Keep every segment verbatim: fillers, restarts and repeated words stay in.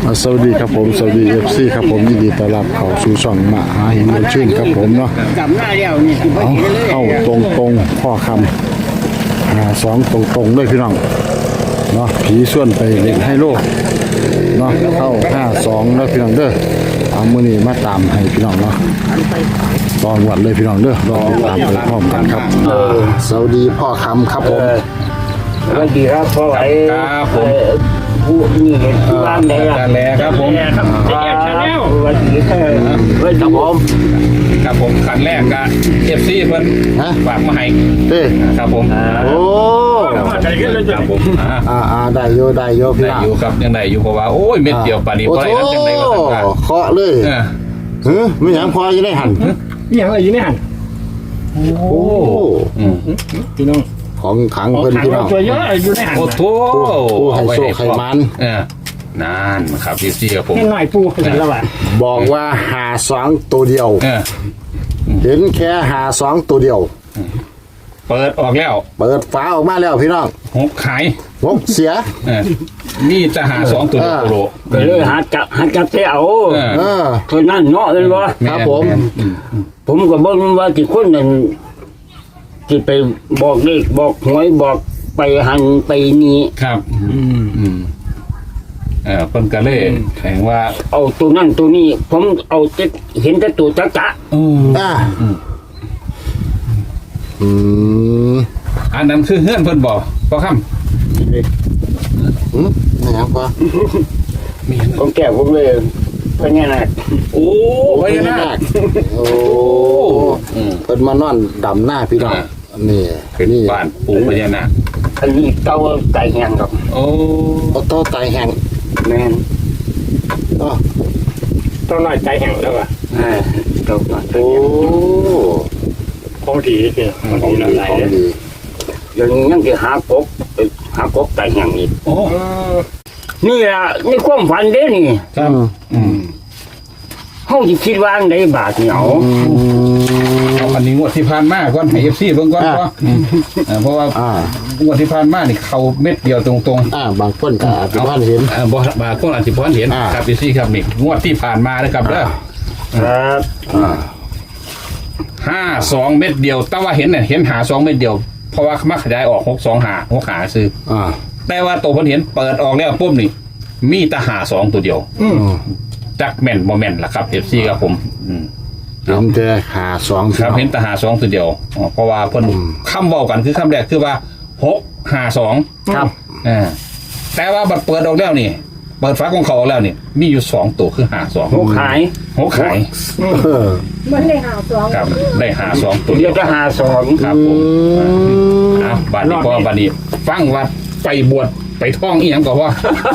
สวัสดีครับผมสวัสดีเอฟซีครับผมยินดีต้อนรับเข้าสู่ช่องมหาหินเมืองชื่นครับผมเนาะจำหน้าเดียวนี่คือเอาเข้าตรงตรงพ่อคำหาสองตรงตรงด้วยพี่น้องเนาะผีส่วนไปเล่นให้โลกเนาะเข้าห้าสองแล้วพี่น้องเด้อเอามือนี้มาตามให้พี่น้องเนาะตอนวัดเลยพี่น้องเด้อรอตามไปพร้อมกันครับสวัสดีพ่อคำครับผมสวัสดีครับพ่อไอ้ครับผมผู้นี่เห็นที่บ้านได้การแลครับผมครับสวัสดีครับสวัสดีผมครับผมขันแรกก็เอฟซีเพิ่นฮะฝากมาให้เต้ครับผมโอ้ครับผมอ่าอ่าอ่าได้โยได้โยพี่ได้น้องอยู่ครับยังได้อยู่เพราะว่าโอ้ยเม็ดเดียวปานนี้โอ้บ่โหได้ครับจังได๋ก็ต้องการเคาะเลยเออเฮ้ยไม่ยังพอจะได้หันยังอะไรอยู่ในหันโอ้อืมพี่น้องของขังเพิ่นพี่น้องตัวเยอะอยู่ในหันโอ้โถผู้ให้โชคให้มันเออนั่นครับเอฟซีครับผมให้หน่อยปูเห็นแล้วอ่ะบอกว่าหาสองตัวเดียวเออเห็นแค่หาสองตัวเดียวเปิดออกแล้วเปิดฝาออกมาแล้วพี่น้องหกขายงบเสียเออนี่จะหาสองตัวเดียวโลก็เลยหาจับหาจับเสียเอาเออเออคนนั้นเนาะเลยว่าครับผมผมก็บอกว่าที่คนนั้นที่ไปบอกเลขบอกหวยบอกไปหันไปนี้ครับอืมอืมเออเพิ่นก็เลยแข่งว่าเอาตัวนั่นตัวนี้ ผมเอาแต่เห็นแต่ตัวจักจะอืมอ่าอืมอันนั้นคือเฮือนเพิ่นบอกพอค่ำอืมไม่ยังพอผมแก่ผมเลยเพราะงี้นะโอ้พญานาคโอ้อืมเพิ่นมานอนดำหน้าพี่น้องอ่านี่เป็นนี่บ้านปู่พญานาคอันนี้เต้าไก่แห้งครับโอ้โอ้โตไตแห้งแม่นอ๋อต้นน้อยใจแห่งแล้วอ่ะอ่าเต้าไก่โอ้ของดีคือของดีหลายของเลยดีเดี๋ยวนี้ยังจะหากบไปหากบไก่แห้งอีกโอ้นี่ล่ะนี่ความฝันเด้นี่ครับอืมเฮาสิคิดว่าอันใดบาทนี่เอาอืมเอาอันนี้งวดที่ผ่านมาก่อนให้ เอฟ ซี เบิ่งก่อนอ่าเพราะเออเพราะว่าอ่างวดที่ผ่านมานี่เข้าเม็ดเดียวตรงๆอ่าบางคนก็อาจจะบ้านเห็นอ่าบ่บ่คนอาจสิบ่เห็นอ่าครับ เอฟ ซี ครับนี่งวดที่ผ่านมานะครับเด้อครับอ่าห้าสองเม็ดเดียวแต่ว่าเห็นน่ะเห็นหาสองเม็ดเดียวเพราะว่ามาขยายออกหกสองหาหกหาซื้ออ่าแต่ว่าตัวเพิ่นเห็นเปิดออกแล้วปุ๊บนี่ มีแต่หาสองตัวเดียวอืมจักแม่นบ่แม่นล่ะครับ เอฟ ซี ครับผมอืมเห็นแต่หาสองครับเห็นแต่หาสองตัวเดียวอ๋อเพราะว่าเพิ่นคำเว้ากันคือคำแรกคือว่าหกหาสองครับอ่าแต่ว่าบัดเปิดออกแล้วนี่ เปิดฝาของเขาออกแล้วนี่ มีอยู่สองตัวคือหาสองหกขายหกขายเออมันเลยหาสองครับได้หาสองตัวเดี๋เดียยว วจะหาสองครับผมอ่าบัดนี้พอบัดนี้ ฟังว่าไปบวชไปท่องอีหยังก็ว่า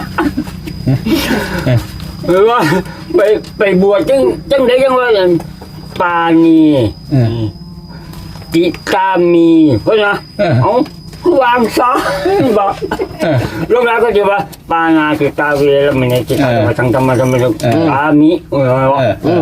หรือว่าไปไปบวชจังจังได้ยังว่าอย่างปานีเออจิตามีเพราะนะเออเอาวางซะบอกเออลูกหลานก็จะว่าปานาจิตาเวรมณีจิตาเออธรรมทังธรรมธรรมะเออตามิเออเออเออ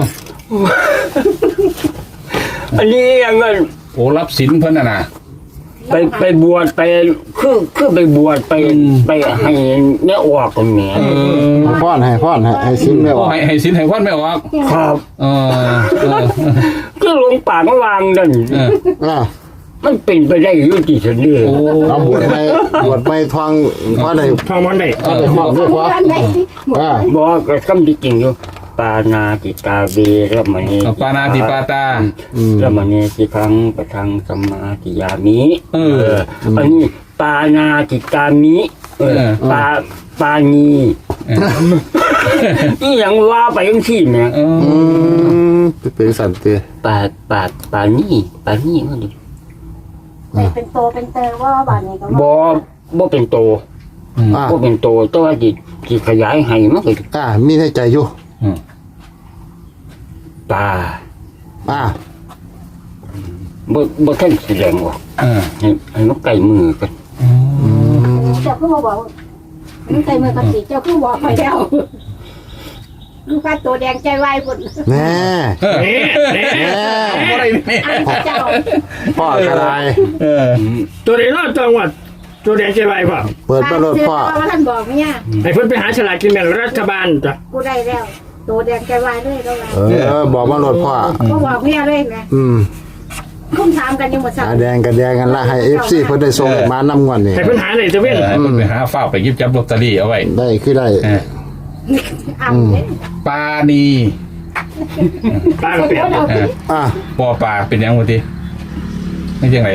อันนี้ยังเงินโอ้รับศีลเพิ่นน่ะนะไปไปบวชไปคือคือไปบวชไปไปให้เนี่ยออกกันแหมพ่อนให้พ่อนให้ให้สิ้นไม่อโอ้อกให้ให้ศีลให้พรไม่ออกครับเออเออคือหลวงป่ามาวางนั่นเอออ่ามันเป็นไปได้อยุติธรรมนี่โอ้เอาบวชไม่บวชไม่ทองพ่อได้ทองมันได้พ่อได้ความด้วยพ่ออันไหนหมดอ่าบอกก็คำที่จริงอยู่ปานาติตาเวรมณีปานาติปาตารมณีสิพังปะทังสมมาติยามิเอออันนี้ปานาติตามิเออเออปาปานีเออนี่ยังว่าไปยังที่เนี่ยเอออืมเป็นสันติปาปาปานี่ปานี่มันดิแต่เป็นโตเป็นเตอว่าบาทนี้ก็บ่บ่เป็นโตอ่าบ่เป็นโตแตัวาจิจิขยายให้มันก็อ่ามีในใจอยู่อืมตาอ่าบ่บ่ทันแสดงออกเออให้ให้มันใกล้มือกันเจ้าคือมาบอกมันใส่มือกันสิเจ้าคือบอกไปแล้วลูกค้าตัวแดงใจวายหมดแน่เออแน่อะไรเนี่ยอันเจ้าพ่อกระไดเออตัวนี้รอดจังหวัดตัวแดงใจไวพ่อเปิดมาโลดพ่อว่าท่านบอกเนี่ยให้เพิ่นไปหาฉลากกินแบ่งรัฐบาลจ้ะกูได้แล้วตัวแดงใจวายเลยก็แล้วเออบอกมาโลดพ่อก็บอกเนี่ยเลยนะอืมคุ้มถามกันยังหมดสักหาแดงกับแดงกันละให้ เอฟ ซี เพิ่นได้ส่งมานำงวดนี่ให้เพิ่นหาเลยจะเอเว้นอให้มันไปหาฝ้าไปหยิบจับลอตเตอรี่เอาไว้ได้คือได้เอออ่ำเลยปานีตาเปลี่ยนเอออ่ะปอปลาเป็นยังไงทีไม่ใช่ไง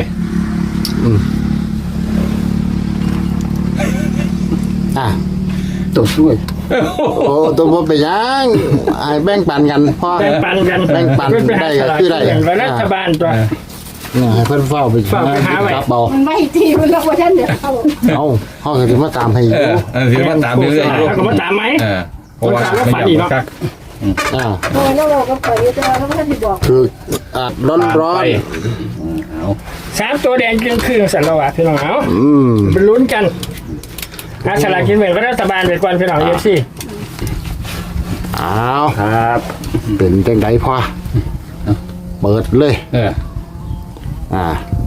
อ่ะตัวช่วยโอ้ตัวบ่เป็นหยังให้แบ่งปันกันพ่อแบ่งปันกันแบ่งปันเพิ่นไปหาได้ฉก็ลากคือกินได้แบ่งรัฐบาลจ้ะเนี่ยให้เพิ่นเฝ้าไปเฝ้าไปหาไว้จับเอามันไม่ทีมันแล้วว่าท่านเดี๋ยวเอาเอาเฮาก็สิมาตามให้อยู่เออเออถือว่าตามเรื่อยๆอยู่แล้วก็มาตามไหมเออเพราะว่าคนตามแล้วฝันไม่อีอยาก กเนาะกักอ่าโอ้ยแล้วเราก็ปล่อยอยู่แต่ว่าแล้วท่านที่บอกคืออ่ะร้อนร้อนไปเอาสามตัวแดงจึงคือสันละวะพี่น้องเอาอืมเป็นลุ้นกันหาฉลากกินแบ่งรัฐบาลไปก่อนพี่น้องเอฟซีอ้าวครับเป็นจังไดพ่อเปิดเลยเอออ่า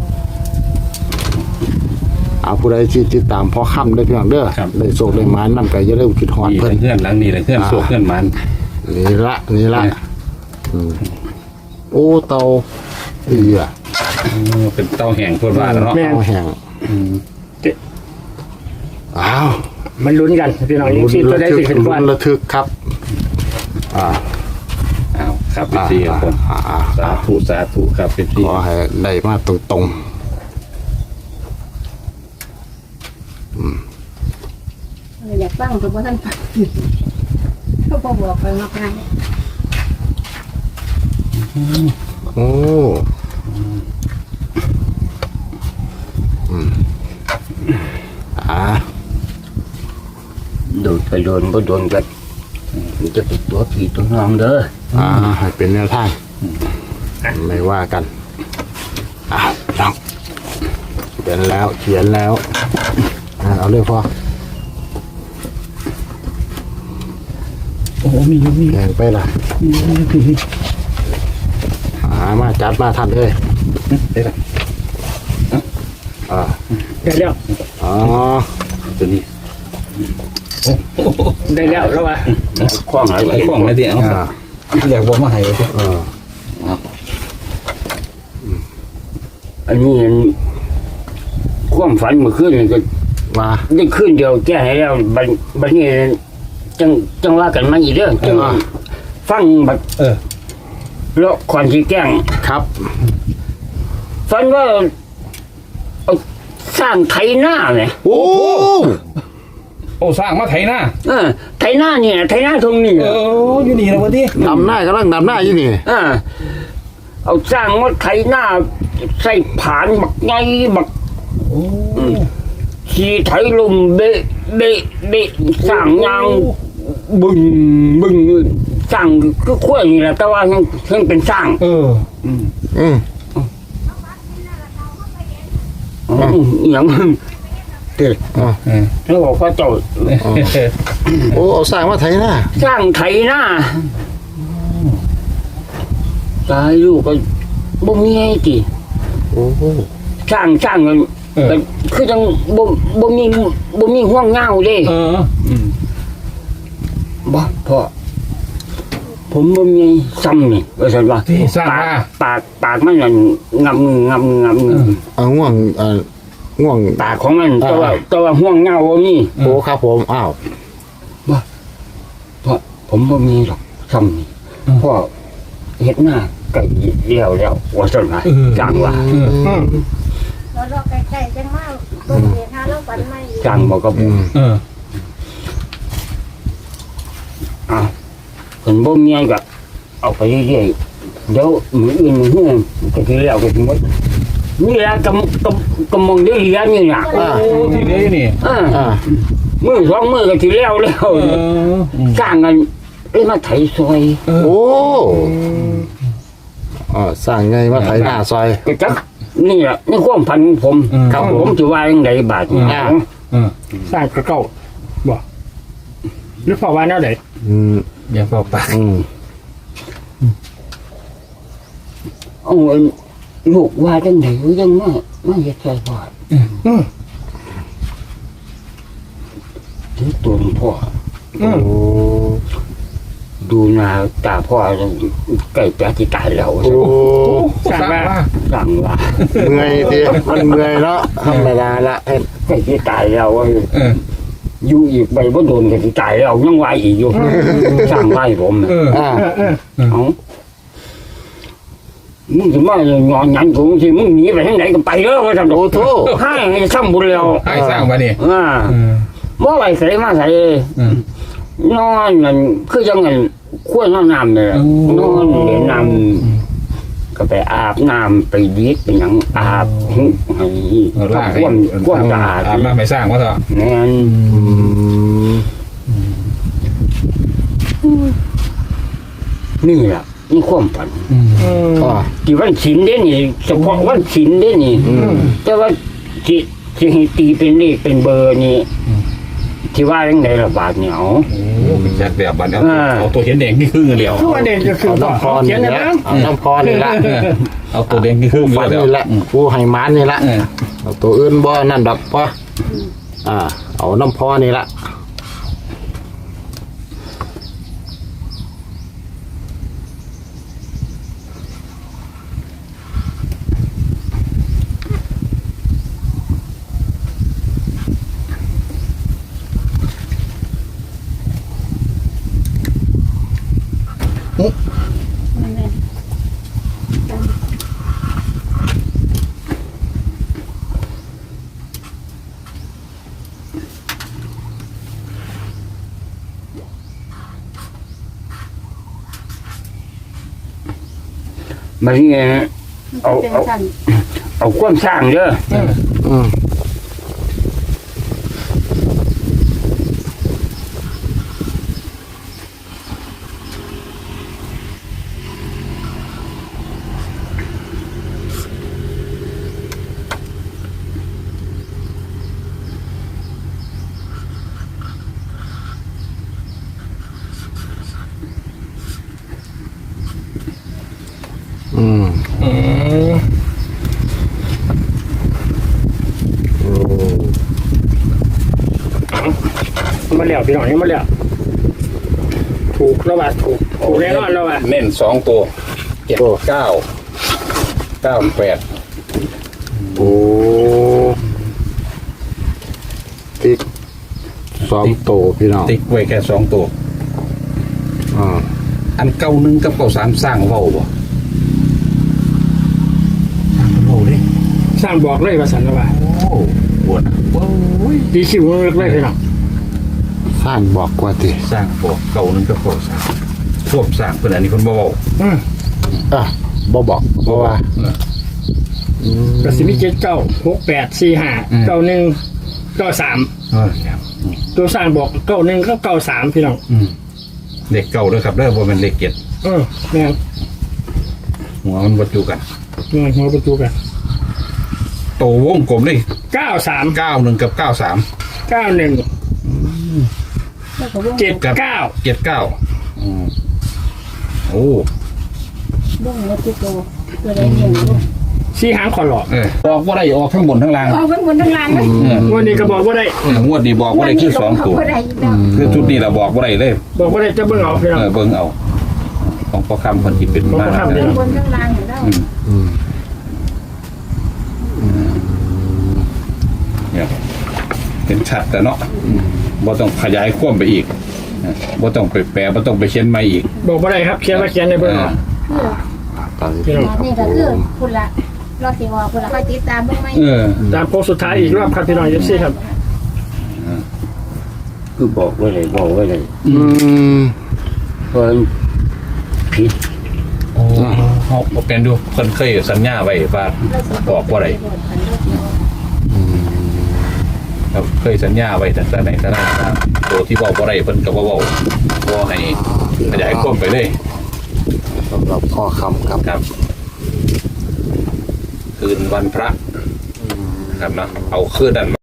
เอาผู้ใดที่ติดตามพ่อค่ำได้เพียงเด้อได้โชคได้หมานนำก็อย่าลืมคิดฮอดนี่เพิ่นเพื่อนหลังนี่เลยเพื่อนโศกเพื่อนมันนี่ละนี่ละอืมโอ้เตาเอือเออเป็นเต้าแห่งเพื่อนว่าแล้วเนาะแม่เอาแห้งอ้าวมันลุ้นกันพี่น้องเอฟซีตัวได้สิขึ้นก่อนลุ้ระทึกครับ อ่าเอาครับพี่ซีครับผมอ่าอ่าสาธุสาธุครับพี่ซีขอให้ได้มาตรงอยากฟังแต่ว่าท่านฟังก็พอบอกไปมากง่ายๆโอ้อืมอ่าโดนไปโดนบ่โดนกันมันจะติดตัวผีตัวน้องเด้ออ่าให้เป็นแนวทางไม่ว่ากันอ่าลองเขียนแล้วเขียนแล้วอ่าเอาเลยพ่อโอ้โหมีอยู่มีแข่งไปล่ะหามาจัดมาทันเลยได้ละอ่าได้แล้วอ๋อตัวนี้ได้แล้วแล้ววะคล้องอะไรไอ้ของอะไรเดี๋ยวอ่าอยากบอกมาให้เลยเอออันนี้ความฝันเมื่อคืนนี่ก็มาได้คืนเดียวแก้ให้แล้วบัดบัดนี้จังจังว่ากันมาอีกเด้อจังฟังบัดเออเลาะควันที่แกล้งครับฝันว่าเอาสร้างไถนาไงโอ้โอ้สร้างมาไถหน้าเออไถนาเนี่ยไถนาตรงนี้เอออยู่นี่นะวันที่ดำหน้ากำลังดำหน้าอยู่นี่เออเอาสร้างมาไถนาใส่ผานบักไงบักโอ้ขี่ไถลมเบะเบะเบะสร้างยางบึงบึงสร้างก็ขั้วนี่แหละแต่ว่ายังยังเป็นสร้างเอออืมอืมอหย่างเด็กอ่าเออแล้วบอกว่าเจ้าโอ้เอาสร้างมาไถหน้าสร้างไถนาตายลูกก็บ่มีไอ้ติโอ้สร้างสร้างกันเออก็คือจังบ่บ่มีบ่มีห่วงเงาเด้เอออืมบ่พ่อผมบ่มีซ้ำนี่ว่าซั่นว่าที่สร้างปากมาปากปากมันนั่นงำงำงำเอาง่วงเอ่อง่วงปากของมันแต่ว่าแต่ว่าห่วงเงาบ่มีโอ้ครับผมอ้าวเพราะผมบ่มีหรอกซ้ำนี่พ่อเฮ็ดหน้าไก่เดียวแล้วว่าซั่นว่าจังว่าอืมแล้วเราใกล้ๆจังมากตัวเดียวหาเราฝันไม่จังบ่ก็อืมเอออ้าวเพิ่นบ่มีก็เอาไปเรื่อยๆเดี๋ยวมื้ออื่นมื้อฮื้อก็สิแล้วก็สิหมดนี่ล่ะกำกำกำมองได้เรียนนี่น่ะอ่าโอ้ที่เหลืออยู่นี่เอออ่ามือสองมือก็สิแล้วแล้วเออสร้างกันเอ้ยมาไถซอยโอ้อ่าสร้างไงมาไถหน้าซอยก็จักนี่แหละในความพันของผมครับผมผมจะว่ายังไงบาทอ่าเออสร้างกระเก้าบ่หรือพอว่าแนวไหนอืมอย่าเป่าปากอืมเอาลูกว่าจังไดยังมามาเฮ็ดซอยพ่ออืมถึงตัวของพ่อโอ้ดูหน้าตาพ่อใกล้จะที่ตายแล้วโอ้สั่งมาสั่งว่าเมื่อยทีมันเมื่อยเนาะธรรมดาละเฮ็ดใกล้ที่ตายแล้วว่าเอออยู่อีกไปบ่โดนก็สิตายแล้วยังไหวอีกอยู่สั่งไหวผมน่ะเอออ่าเออเอามึงจะมาหงอนหยันกูสิมึงหนีไปทางไหนก็ไปเด้อว่าซั่นโอ้โธ่ให้ให้ซ้ำบุญแล้วให้สร้างมานี่อ่าเออบ่ไหวใส่มาใส่เออนอนนั่นคือจังนั้นขั้วนอนน้ำเลยนอนเล่นน้ำก็ไปอาบน้ำไปดีดไปหยังอาบให้เออลากให้ความความสะอาดอาบน้ำไม่สร้างว่าเถอะแม่นอืมนี่ล่ะนี่ความฝันอืมอืมอ่าที่วันศีลเด้นี่เฉพาะวันศีลเด้นี่อืมแต่ว่าที่ที่ให้ตีเป็นเลขเป็นเบอร์นี่ที่ว่าจังไดล่ะบาทเนี่ยเอาโอ้เป็นจัดแบบบัดเอาอ่าเอาตัวเห็นแดงที่ครึ่งเดียวทุกวันเด่นก็คือเอาพ่อน้ำพรเขียนี่นแหนะละนะเอาน้ำพรนี่ละเออเอาตัวแดงที่ครึ่งฝันเดียวนี่แหละผู้ให้มานนี่ละเออเอาตัวอื่นบ่นั่นดอกปะอ่า เอาน้ำพอนี่ละนั่นแหละมันนี่เอาเป็นเอาสั่นเอาความสร้างเด้ออืม อืมอืมโอ้มาแล้วพี่น้องนี่มาแล้วถูกแล้วว่าถูกถูกแน่นอนแล้วว่าเน้นสองตัวเจ็ดเก้าเก้าแปดโอ้ติ๊กสองโตพี่น้องติ๊กไว้แค่สองตัวอ่าอันเก้าหนึ่งกับเก้าสามสร้างเว้าบ่สร้างเว้าดิสร้างบอกเลยว่าสันแล้วว่าโอ้ปวดนะโอ้ยดีคิวเลิกเลยพี่น้องสร้างบอกว่าติสร้างบอกเก้าหนึ่งกับเก้าสามควบสร้างเพิ่นอันนี้เพิ่นบ่เว้าอืมอ่ะบ่บอกเพราะว่าเอออืมกสิมิเจ็ดเก้าหกแปดสี่ห้าเก้าหนึ่งเก้าสามเออครับตัวสร้างบอกเก้าหนึ่งก็เก้าสามพี่น้องอืมเลขเก้าเด้อครับเด้อบ่แม่นเลขเจ็ดเออแม่งหัวมันบ่จูกันเงินหัวประตูกันโตวงกลมเลยเก้าสามเก้าหนึ่งกับเก้าสามเก้าหนึ่งแล้วก็วงเจ็ดเก้าเจ็ดเก้าอืมโอ้วงแล้วตัวตัวใดเนี่ยลูกสี่หางขอหลอกเออออกว่าได้ออกทั้งบนทั้งล่างออกบนทั้งล่างเลยเออวันนี้ก็บอกว่าได้เอองวดนี้บอกว่าได้คือสองตัวบ่ได้อีกแล้วคือชุดนี้เราบอกว่าได้เลยบอกว่าได้จะเบิ่งเอาพี่น้องเออเบิ่งเอา ของพ่อคำคนที่เป็นของมาพ่อคำเนี่ยบนทั้งล่างอยู่แล้วอืมอืมเนี่ยเป็นชัดแต่เนาะอืมบ่ต้องขยายความไปอีกเออบ่ต้องไปแปลบ่ต้องไปเขียนใหม่อีกบอกว่าได้ครับเขียนว่าเขียนในเบิ่งเอาคือตอนนี้พี่น้องนี่ก็คือคุณละรอสิว่าคุณละค่อยติดตามเบิ่งไหมเออตามโค้งสุดท้ายอีกรอบครับพี่น้องเอฟซีครับคือบอกไว้เลยบอกไว้เลยอืมเพิ่นผิดโอ้เฮาบ่เป็นดูเพิ่นเคยสัญญาไว้ว่าบอกว่าได้ครับเคยสัญญาไว้ตั้งแต่ไหนแต่ไรว่าตัวที่บอกว่าได้เพิ่นก็บ่เว้าบ่ให้ขยายความไปเลยสำหรับพ่อคำครับครับ คืนวันพระครับเนาะเอาคืนนั้น